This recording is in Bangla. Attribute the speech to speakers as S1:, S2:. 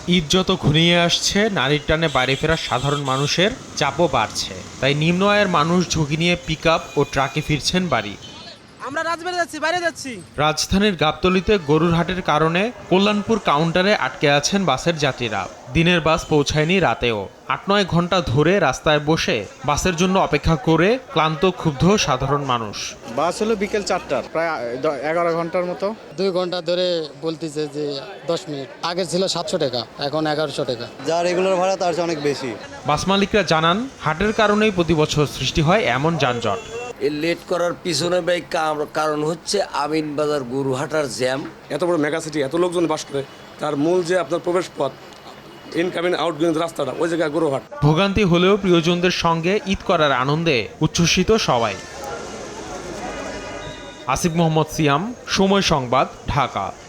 S1: ঈদ যত ঘনিয়ে আসছে, নারীর টানে বাড়ি ফেরা সাধারণ মানুষের চাপও বাড়ছে। তাই নিম্ন আয়ের মানুষ ঝুঁকি নিয়ে পিকআপ ও ট্রাকে ফিরছেন বাড়ি।
S2: আমরা বাইরে যাচ্ছি।
S1: রাজধানীর গাবতলীতে গরুর হাটের কারণে কল্যাণপুর কাউন্টারে আটকে আছেন বাসের যাত্রীরা। দিনের বাস পৌঁছায়নি রাতেও। ৮-৯ ঘন্টা ধরে রাস্তায় বসে বাসের জন্য অপেক্ষা করে ক্লান্ত ক্ষুব্ধ সাধারণ মানুষ।
S3: বাস হলো বিকেল 4টার, প্রায় 11 ঘন্টার মতো।
S4: 2 ঘন্টা ধরে বলতেছে যে 10 মিনিট। আগে ছিল 700 টাকা, এখন 1100 টাকা।
S5: যা রেগুলার ভাড়া তার চেয়ে অনেক বেশি।
S1: বাস মালিকরা জানান, হাটের কারণেই প্রতি বছর সৃষ্টি হয় এমন যানজট।
S6: এই লেট করার পিছনে কারণ হচ্ছে আমিনবাজার গরুহাটার জ্যাম।
S7: এত বড় মেগাসিটি, এত লোকজন বাস করে, তার মূল যে আপনার প্রবেশ পথ, ইনকামিং আউটগোয়িং রাস্তাটা, ওই জায়গায় গরুহাট।
S1: ভোগান্তি হলেও প্রিয়জনদের সঙ্গে ঈদ করার আনন্দে উচ্ছ্বসিত সবাই। আসিফ মোহাম্মদ সিয়াম, সময় সংবাদ, ঢাকা।